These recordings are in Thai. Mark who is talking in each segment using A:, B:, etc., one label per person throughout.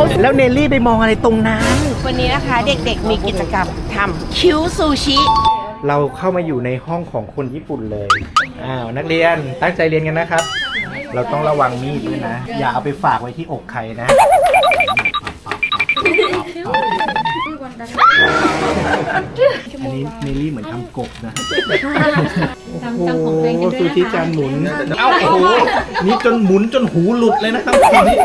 A: แล้วเนลลี่ไปมองอะไรตรงนั้น
B: วันนี้นะคะเด็กๆมีกิจกรรมทำคิ้วซูชิ
A: เราเข้ามาอยู่ในห้องของคนญี่ปุ่นเลยนักเรียนตั้งใจเรียนกันนะครับ เราต้องระวังมีดด้วยนะ อย่าเอาไปฝากไว้ที่อกใครนะอันนี้เนลลี่เหมือนทำกบนะโอ้โหซูชิจานหมุนโอ้โหนี่จนหมุนจนหูหลุดเลยนะครับทีนี้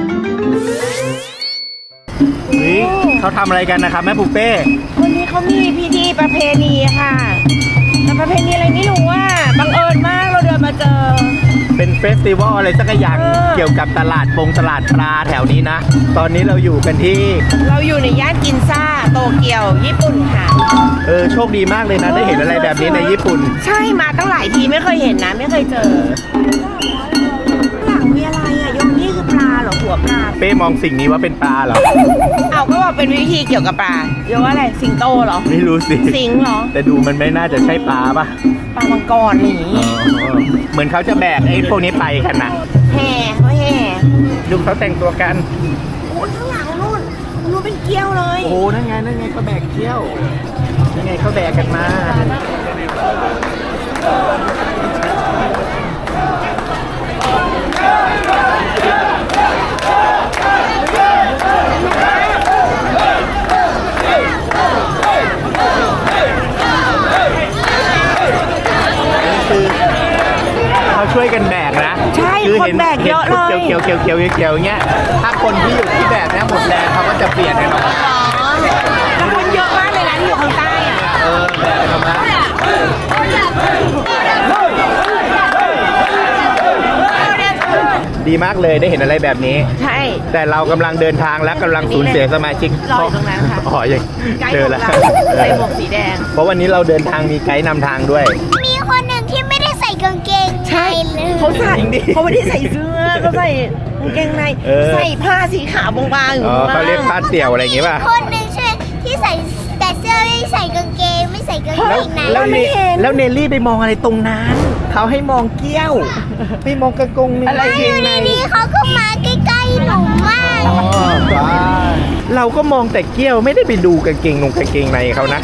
A: นี่เขาทำอะไรกันนะครับแม่ปูเป้
B: วันนี้เขามีพิธีประเพณีค่ะแต่ประเพณีอะไรไม่รู้ว่าบังเอิญมากเราเดินมาเจอ
A: เป็นเฟสติวัลอะไรสักอย่างเกี่ยวกับตลาดปลาแถวนี้นะตอนนี้เราอยู่กันที่
B: เราอยู่ในย่านกินซ่าโตเกียวญี่ปุ่นค่ะ
A: โชคดีมากเลยนะได้เห็นอะไรแบบนี้ในญี่ปุ่น
B: ใช่มาตั้งหลายทีไม่เคยเห็นนะไม่เคยเจอหลังมีอะไรอ่ะยงนี่คือปลาเหรอหัวปลา
A: เป้มองสิ่งนี้ว่าเป็นปลาเหรอ
B: เอาก็บอกเป็นวิธีเกี่ยวกับปลาเรียกว่าอะไรสิงโตเหรอ
A: ไม่รู้สิ
B: สิงเหรอ
A: แต่ดูมันไม่น่าจะใช่ปลาป่ะ
B: ปลามังกรนี่
A: เหมือนเขาจะแบกไอ้พวกนี้ไปกันนะ
B: แห่เขาแห่
A: ดูเขาแต่งตัวกัน
B: โอ้ข้างหลังนู่นเป็นเกี้ยวเลย
A: โอ้นั่นไงเขาแบกเกี้ยวยังไงเขาแบกกันมาเขาช่วยกันแบกนะ
B: ใช่คนแบกเยอะเลย
A: เขียวอย่างเงี้ยถ้าคนที่อยู่ที่แบกเนี่ยหมดแรงเขาก็จะเปลี่ยนกันหรอ
B: แล้วคนเยอะมากเลยนะที่อยู่ข้างใต้อ่ะ
A: แบกกันมาดีมากเลยได้เห็นอะไรแบบนี้
B: ใช่
A: แต่เรากำลังเดินทางและกำลังสูญเสียสมาชิก
B: รออยู่ตรงนั้นค่ะ
A: ยังเจอแล้ว
B: ใส่หมวกสีแดง
A: เพราะวันนี้เราเดินทางมีไกด์นำทางด้วย
C: มีคนหนึ่งที่ไม่ได้ใส่กางเกง
B: ใช่เขาใส่เขาไม่ได้ใส่เสื้อเขาใส่กางเกงในใส่ผ้าสีขาวบางๆอยู่
A: เขาเรียกผ้าเตี่ยวอะไรอย่างงี้ป่ะ
C: คนหนึ่งใช่ที่ใส่แต่เสื้อไม่ใส่กางเกงไม่ใส่กางเกงใน
A: แล้วเนลลี่ไปมองอะไรตรงนั้นเขาให้มองเกี้ยวไม่มองกระกง
C: อะไรอยู่ในนี้เขาก็มาใกล้ๆหนูมาก
A: เราก็มองแต่เกี้ยวไม่ได้ไปดูกางเกงในเขานะ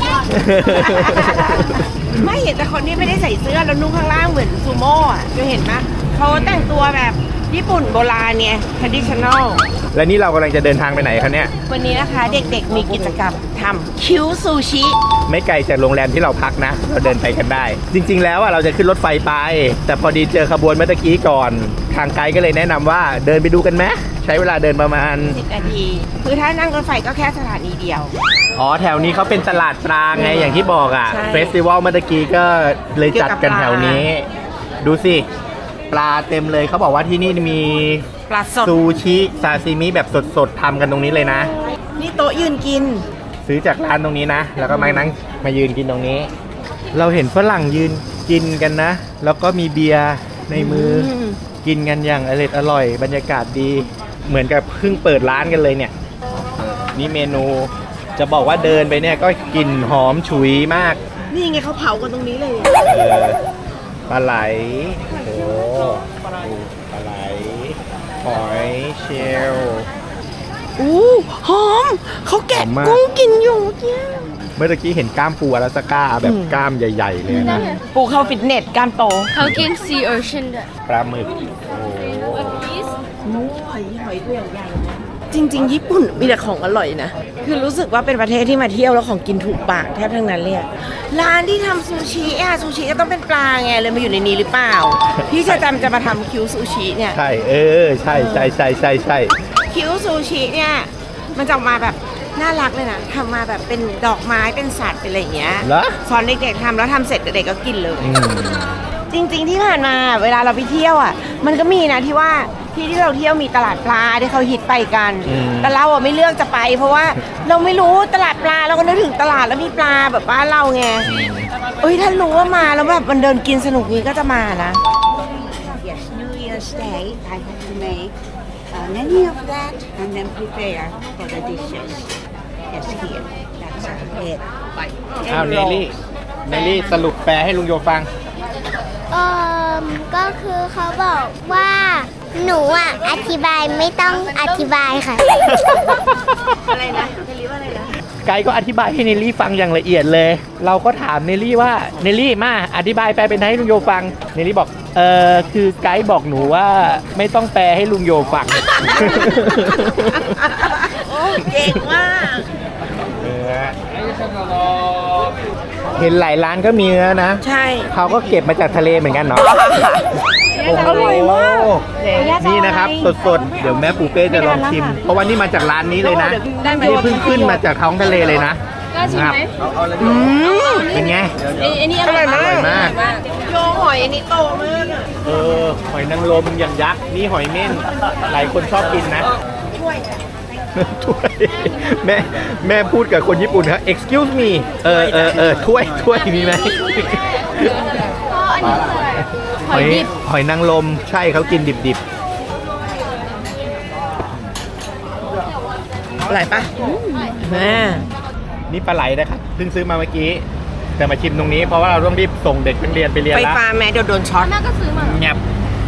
B: ไม่เห็นแต่คนที่ไม่ได้ใส่เสื้อแล้วนุ่งข้างล่างเหมือนซูโม่อะจะเห็นไหมเขาแต่งตัวแบบญี่ปุ่นโบราณเนี่ย traditional
A: และนี่เรากำลังจะเดินทางไปไหนคะเนี่ย
B: วันนี้นะคะเด็กๆมีกิจกรรมทำคิ้วซูชิ
A: ไม่ไกลจากโรงแรมที่เราพักนะเราเดินไปกันได้จริงๆแล้วเราจะขึ้นรถไฟไปแต่พอดีเจอขบวนเมื่อกี้ก่อนทางไกด์ก็เลยแนะนำว่าเดินไปดูกันไหมใช้เวลาเดินประมาณ
B: 10 นาทีคือถ้านั่งรถไฟก็แค่สถานีเดียว
A: แถวนี้เขาเป็นตลาดปลาไงอย่างที่บอกเฟสติวัลเมื่อกี้ก็เลยจัดกันแถวนี้ดูสิปลาเต็มเลยเขาบอกว่าที่นี่มี
B: ปลาสด
A: ซูชิซาซิมิแบบสดๆทำกันตรงนี้เลยนะ
B: นี่โต๊ะยืนกิน
A: ซื้อจากร้านตรงนี้นะแล้วก็มายืนกินตรงนี้เราเห็นฝรั่งยืนกินกันนะแล้วก็มีเบียร์ในมือกินกันอย่างอร่อยบรรยากาศดีเหมือนกับเพิ่งเปิดร้านกันเลยเนี่ยนี่เมนูจะบอกว่าเดินไปเนี่ยก็กลิ่นหอมฉุยมาก
B: นี่ไงเขาเผากันตรงนี้เลย
A: ปลาไหลโอ้ปลาไหลหอยเชลล์
B: หอมเขาแกะกุ้งกินอยู่
A: เมื่อกี้เห็นกล้ามปูอลาสก้าแบบกล้ามใหญ่ๆเลยนะ
B: ปูเข้าฟิตเนสกล้ามโต
D: เขากินซีโอเชียนด้วย
A: ปลาหมึก
B: หอยตัวใหญ่จริงๆญี่ปุ่นมีแต่ของอร่อยนะคือรู้สึกว่าเป็นประเทศที่มาเที่ยวแล้วของกินถูกปากแทบทั้งนั้นเลยร้านที่ทำซูชิซูชิก็ต้องเป็นปลาไงเลยมาอยู่ในนี้หรือเปล่าพี่จะมาทำคิ้วซูชิเนี่ย
A: ใช่ใช่
B: คิ้วซูชิเนี่ยมันจะออกมาแบบน่ารักเลยนะทำมาแบบเป็นดอกไม้เป็นสัตว์เป็นอะไรอย่างเงี้ยสอนเด็กๆทำแล้วทำเสร็จเด็กๆก็กินเลยจริงๆที่ผ่านมาเวลาเราไปเที่ยวมันก็มีนะที่ว่าที่เราเที่ยวมีตลาดปลาที่เขาฮิตไปกันแต่เราไม่เลือกจะไปเพราะว่าเราไม่รู้ตลาดปลาเราก็นึกถึงตลาดแล้วมีปลาแบบบ้านเราไงถ้ารู้ว่ามาแล้วแบบมันเดินกินสนุกนี้ก็จะมานะ
E: Yes, New Year's Day I have to make many of that and then prepare for the dishes. Yes, here. That's it.
A: เนลลี่สรุปแปลให้ลุงโยฟัง
C: ก็คือเขาบอกว่าหนูอ่ะอธิบายไม่ต้องอธิบายค่ะ
B: อะไรนะเนลลี่ว่าอะไรนะ
A: ไกด์ก็อธิบายให้เนลลี่ฟังอย่างละเอียดเลย เราก็ถามเนลลี่ว่าเนลลี่มาอธิบายแปลเป็นไทยให้ลุงโยฟังเนลลี่บอกคือไกด์บอกหนูว่าไม่ต้องแปลให้ลุงโยฟัง
B: เก่งมาก
A: เห็นหลายร้านก็มีเนื้อนะ
B: ใช่
A: เขาก็เก็บมาจากทะเลเหมือนกันเนาะ
B: อร่อยมาก
A: นี่นะครับสดๆ เดี๋ยวแม่ปูเป้จะลองชิม เพราะว่านี่มาจากร้านนี้เลยนะ
B: ได้ไหม
A: นี่เพิ่งขึ้นมาจากท้องทะเลเลยนะ
D: กล้าชิมไหม
A: เป็นไง
D: อันนี้อร่อย
A: อร่อยมาก
B: โยหอยอันนี้โตมากอะ
A: หอยนางรมอย่างยักษ์ นี่หอยเม่น หลายคนชอบกินนะ ถ้วยแม่พูดกับคนญี่ปุ่นครับ excuse me ถ้วยมีไหม หอยนางรมใช่เขากินดิบ
B: อร่อยปะแม่
A: ๆ นี่ปลาไหลนะครับเพิ่งซื้อมาเมื่อกี้ แต่มาชิมตรงนี้เพราะว่าเราต้องรีบส่งเด็กนักเรียนไปเรียน
B: ไฟ
A: แล้ว
B: ฟ้าแม่เดี๋ยวโดนช็อต
D: แม่ก็ซื้อมา
A: แงบ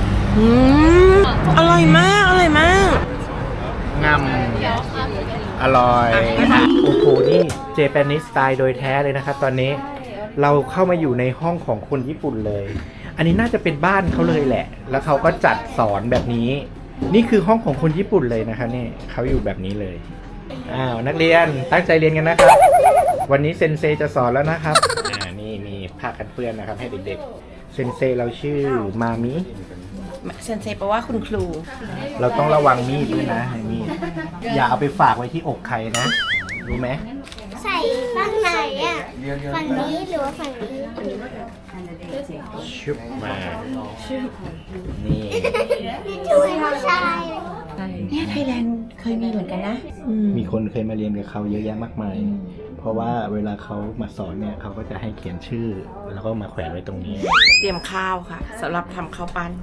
B: อร่อยมากอร่อยมาก
A: งำอร่อยโอ้โหนี่เจแปนิสสไตล์โดยแท้เลยนะครับตอนนี้เราเข้ามาอยู่ในห้องของคนญี่ปุ่นเลย อันนี้น่าจะเป็นบ้านเขาเลยแหละ แล้วเขาก็จัดสอนแบบนี้ นี่คือห้องของคนญี่ปุ่นเลยนะคะนี่เขาอยู่แบบนี้เลยนักเรียนตั้งใจเรียนกันนะครับ วันนี้เซนเซจะสอนแล้วนะครับนี่มีผ้ากันเปื้อนนะครับให้เด็กๆเซนเซเราชื่อมามิ
B: เซนเซแปลว่าคุณครู
A: เราต้องระวังมีดด้วยนะมีดอย่าเอาไปฝากไว้ที่อกใครนะ รู้ไหม
C: ใส่ฝั่งไหนอ่ะ ฝั่งนี้หรือว่าฝั่งนี้
A: ชุบมา นี่
C: ช่วยผู้ชาย
B: เนี่ยไทยแลนด์เคยมีเหมือนกันนะ
A: มีคนเคยมาเรียนกับเขาเยอะแยะมากมาย เพราะว่าเวลาเขามาสอนเนี่ยเขาก็จะให้เขียนชื่อ แล้วก็มาแขวนไว้ตรงนี้
B: เตรียมข้าวค่ะสำหรับทำข้าวปั้น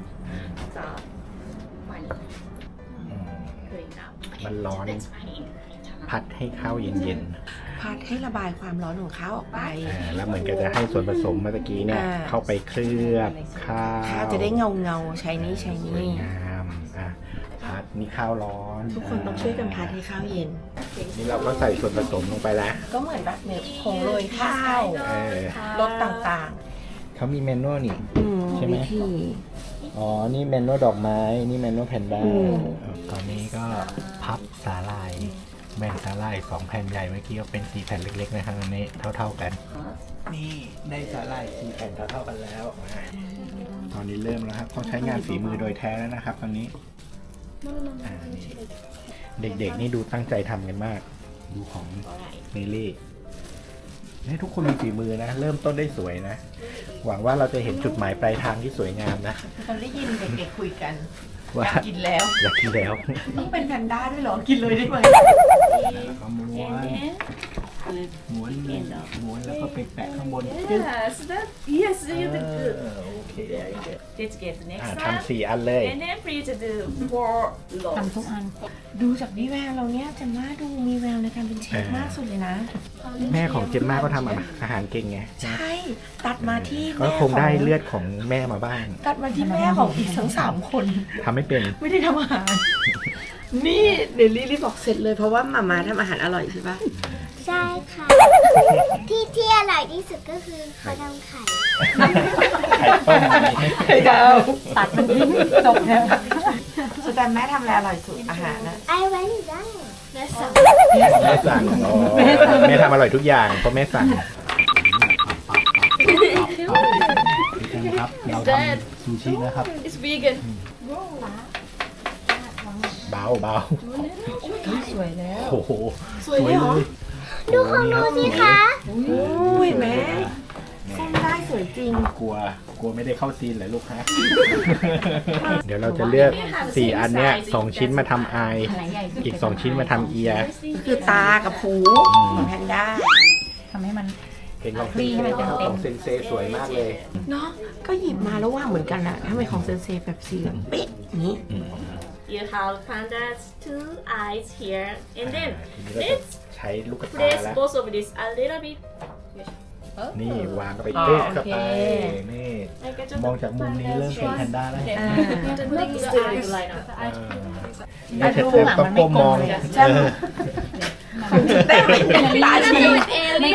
A: มันร้อน พัดให้ข้าวเย็น
B: พัดให้ระบายความร้อนของข้าวออกไป
A: ๆแล้วเหมือนกับจะให้ส่วนผสมเมื่อกี้เนี่ย เข้าไปเคลือบข้าว
B: ข้าวจะได้เงาใช้นี่ใช้
A: สวย
B: นี่
A: งามพัดนี่ข้าวร้อน
B: ทุกคนต้องช่วยกันพัดให้ข้าวเย็น
A: นี่เราก็ใส่ส่วนผสมลงไปแล้ว
B: ก็เหมือนแบบเม็ดผงโรยข้าว รสต่าง
A: เขามีเมนูนี่
B: ๆ
A: ใช่ไหม
B: วิธี
A: อ๋อ นี่เมนูดอกไม้ นี่เมนูแพนด้า
B: อืม
A: ตอนนี้ก็พับสาลายแบ่งสาลาย2แผ่นใหญ่เมื่อกี้ก็เป็น4แผ่นเล็กๆนะครับอันนี้เท่าๆกัน นี่ได้สาลาย4แผ่นเท่าๆกันแล้วตอนนี้เริ่มแล้วครับเขาใช้งานฝีมือโดยแท้แล้วนะครับ ตอนนี้นี่เด็กๆนี่ดูตั้งใจทำกันมาก ดูของเนลลี่ให้ทุกคนมีฝีมือนะ เริ่มต้นได้สวยนะ หวังว่าเราจะเห็นจุดหมายปลายทางที่สวยงามนะ
B: เราได้ยินเด็กๆคุยกัน
A: ว่า
B: กินแล้ว
A: อยากกินแล้ว
B: ต้องเป็นแพนด้าด้วยเหรอ กินเลยได้ไหม
A: แล้วก็ม้วนแล้วก็ไปแปะข้างบน
F: Yes, that yes, you did good.
A: โอเค
F: Let's get the next
A: ทำ4 อันเลย
F: and then for you to do 4 loaves.
B: ดูจากวิแววเราเนี่ยจะมาดูมีแววในการเป็นเชฟมากสุดเลยนะ
A: แม่ของเจมม่าก็ทำอาหารเก่งไง
B: ใช่ ตัดมาที่
A: ก็
B: แม่
A: คงได้เลือดของแม่มาบ้าง
B: ตัดมาที่แม่ของอีกทั้ง3 คน
A: ทำไม่เป็น
B: ไม่ได้ทำอาหาร นี่เดลลี่รีบบอกเสร็จเลยเพราะว่ามาม่าทำอาหารอร่อยใช่ปะ
C: ใช่ค่ะ ที่อร่อยที่สุดก็คือข้าวดำไข่
A: ไข่ต้ม
B: ไข่ดาวตัดมันทิ้งจบแล้วสุดแต่แม่ทำอะไรอร่อยสุดอาหารนะ
C: ไอ้ไว้หนูได้แม่สั่ง
A: แม่สั่งอ๋อแม่ทำอร่อยทุกอย่างเพราะแม่สั่งครับเราทำซูชินะครับ
D: It's vegan
A: เบา
B: สวยแล้ว
A: โอ้โห
B: สวยเลยเหรอ
C: ดูของหนูสิคะ
B: อุ้ยแม่เส้นได้สวยจริง
A: กลัวไม่ได้เข้าซีนเหรอลูกฮะ เดี๋ยวเราจะเลือก4 อันเนี้ย2 ชิ้นมาทำไออีก2 ชิ้นมาทำเอียร์
B: คือตากับหูของแพนด้า
A: เป็นของเซนเซของเซนเซสวยมากเลย
B: เนาะก็หยิบมาแล้วว่างเหมือนกันอะทำไมของเซนเซแบบสีเหลืองเป๊ะนี้
F: You have panda's 2 eyes here, and then
A: ทีนี้เราจะ
F: let's
A: ใช้ลูกตา
F: place
A: แล้ว
F: both of this a little bit
A: นี่วางเข้าไปเต๊ะเข้าไปนี่มองจากมุมนี้เริ่มเป็นแพนด้าแล้วนี่เธอต้องก้มมอง
B: ตาชี
F: ไม่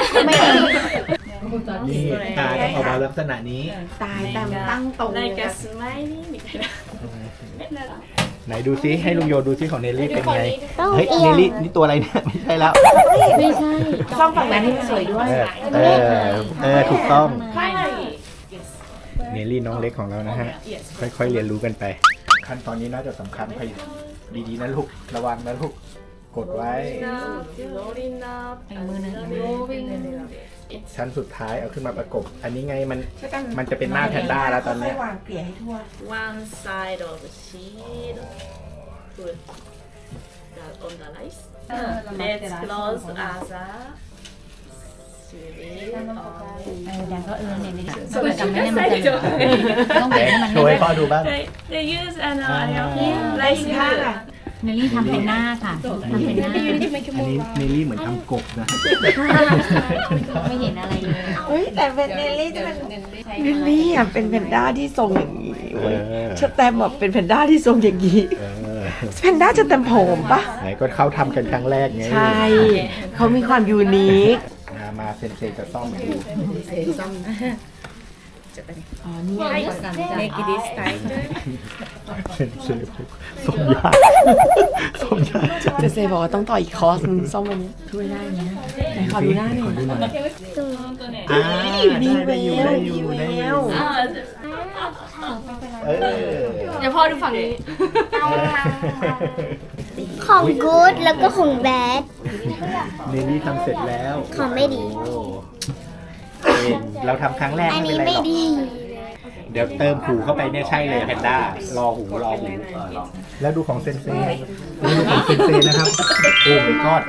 A: นี่ตาต้องออกมาลักษณะนี้
B: ตายแต่ตั้งตรง
F: like a smiley みたいな
A: ไหนดูซิให้ลุงโยดูซิของเนลลี่เป็นไงเฮ้ยเนลลี่นี่ตัวอะไรเนี่ยไม่ใช่แล้ว
B: ช่องฝั่งนั้นให้มันสวยด้วย
A: ถูกต้องเนลลี่น้องเล็กของเรานะฮะค่อยๆเรียนรู้กันไปขั้นตอนนี้น่าจะสำคัญไปดีๆนะลูกระวังนะลูกกดไว้
F: rolling up
A: ชั้นสุดท้ายเอาขึ้นมาประกบอันนี้ไงมันจะเป็นหน้าแพนด้าแล้วตอนนี้
B: วางเกลี่ยให้ทั่ว
F: one side of the sheet put that on the rice let's close as a
A: โชว์ให้พ่อดูบ้าง
F: they use an rice noodle
G: เนลลี่ทำเป็นหน้าค่ะทำเป็นหน้า
A: อันนี้เนลลี่เหมือนทำกบนะ
G: ไม่เห็นอะไรเลย
B: เฮ้ยแต่เป็นเนลลี่จะเป็นเนลลี่อ่ะเป็นแพนด้าที่ทรงอย่างนี้เว้ยชแตมแบบเป็นแพนด้าที่ทรงอย่างนี้แพนด้าจะเต็มผมปะ
A: ไหนก็เขาทำกันครั้งแรกไง
B: ใช่เขามีความยูนิค
A: มาเซนเซจะซ่อมให้ดู
B: อ๋อนี่
F: make this tighter
A: เซนเซซ่อมยากซ่อมยากจัง
B: เจเซบอกว่าต้องต่ออีกคอร์สนึงซ่อมวันนี้ช่วยได้นะไหนขอดูหน้าหน่อย
A: ได้อยู่
D: เดี๋ยวพ่อดูฝั่งนี้
C: ของกู๊ดแล้วก็ของแบด
A: เนลลี่ทำเสร็จแล้ว
C: ของไม่ดี
A: เราทำครั้งแรก
C: อัน
A: ไม่
C: นี้
A: เป็นไร
C: ไม่
A: หรอก
C: ดี
A: เดี๋ยวเติมหูเข้าไปเนี่ยใช่เลยแพนด้ารอหูแล้วดูของเซนเซ่ดูของเซนเซ่นะครับโอ้my god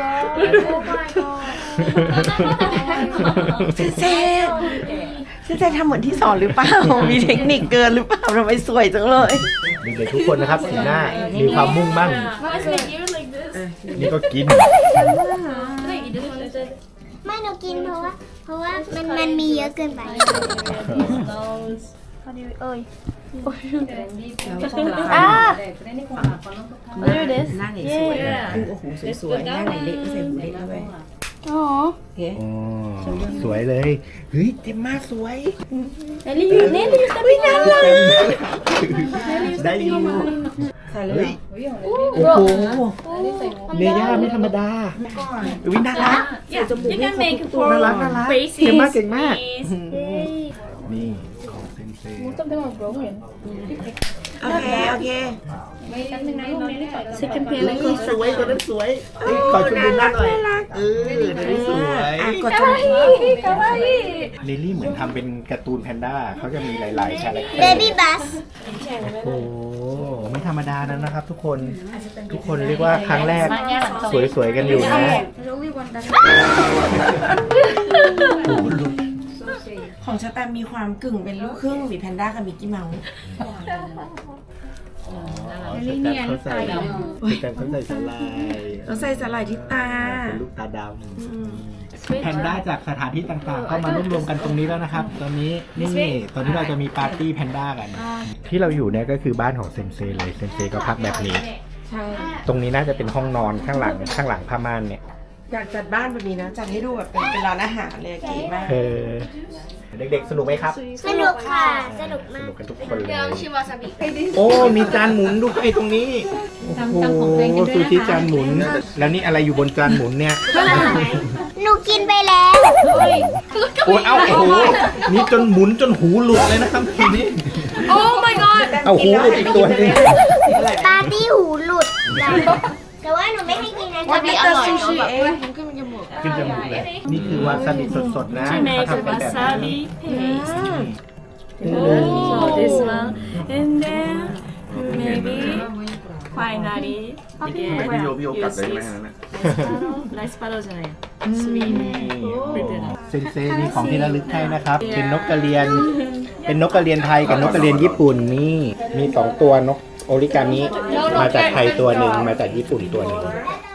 B: เจเซทำเหมือนที่สอนหรือเปล่า มีเทคนิคเกินหรือเปล่าทำไมสวยจังเลย
A: เด็กๆทุกคนนะครับสีหน้ามีความมุ่งมั่น นี่ก็กิน
C: ไม่หนูกินเพราะว่ามันมีเยอะเกินไป
B: อ่า
F: there it is
B: หน้าไหนสวยโอ้โหสวยๆหน้าไหนเล็กก็ใส่หูเล็กด้วย
C: อ๋อ
B: โอเค
A: อ๋อสวยเลย เฮ้ยเต็มมากสวย
F: Nelly you Nelly
B: น่ารัก
A: ได้อยู่
B: ใส่เลย
A: เฮ้ยโอ้โหเนย่าไม่ธรรมดาวิน่ารัก
F: yeah you can make for
A: น่ารัก
F: faces
A: เก่งมากเก่งมาก
F: knees
A: นี่ของเซนเซ่
B: โอเคโอเค
F: second pair like
A: สวยตัวนั้นสวยขอชมดูหน้าหน่อยตัวนี้สวย
B: กดจมูก
A: ลิลลี่เหมือนทำเป็นการ์ตูนแพนด้าเขาจะมีหลายๆคาแรคเตอร์
C: เบบี้บัส
A: โอ้โหไม่ธรรมดานั้นนะครับทุกคนเรียกว่าครั้งแรกสวยๆกันอยู่นะ
B: ของชาแตมมีความกึ่งเป็นลูกครึ่งมีแพนด้ากับมิกกี้เมาส์
A: แต่เขาใส่สลาย
B: เราใส่สลายที่ตา
A: เป็นลูกตาดำแพนด้าจากสถานที่ต่างๆก็มารวมกันตรงนี้แล้วนะครับ ตอนนี้เราจะมีปาร์ตี้แพนด้ากัน ที่เราอยู่เนี่ยก็คือบ้านของเซนเซเลยเซนเซก็พักแบบนี้
B: ใช่ ต
A: ตรงนี้น่าจะเป็นห้องนอนข้างหลังผ้าม่านเนี่ย
B: อยากจัดบ้านแบบนี้นะ จัดให้ดูแบบเป็นร้านอาหารเลยเก๋มาก
A: เด็กๆสนุกไหมครับ
C: สนุกค่ะ สนุก
A: ส
C: มาก
A: นุกกันทุกคนเลย
D: ชิวาซาบิ
A: โอ้มีจานหมุนด้วยตรงนี้โอ้โหซูชิจานหมุน แล้วนี่อะไรอยู่บนจานหมุนเนี่ย
C: หนูกินไปแล้ว
A: โอ้ยโอ้โหนี่จนหมุนจนหูหลุดเลยนะครับทีนี้
D: โอ้ my god
A: เอาหูหลุดอีกตัวหนึง
C: ปาร์ตี้หูหลุด แต่ว่าหนูไม่ให้กินนะ
B: วันนี้อร่อย
D: ซูชิ
B: เอง
A: ขึ้นจมูกเลยนี่คือวาซาบิสดๆนะ
F: to
A: เขา
F: make
A: ทำเป็นแบบนี้
F: wasabi paste so this one and then maybe finally again you see rice paro じゃないsweet
A: เซนเซมีของที่ระลึกให้นะครับ เป็นนกกระเรียนไทยกับนกกระเรียนญี่ปุ่นนี่มี2ตัวนกโอริกามิมาจากไทยตัวหนึ่งมาจากญี่ปุ่นตัวหนึ่ง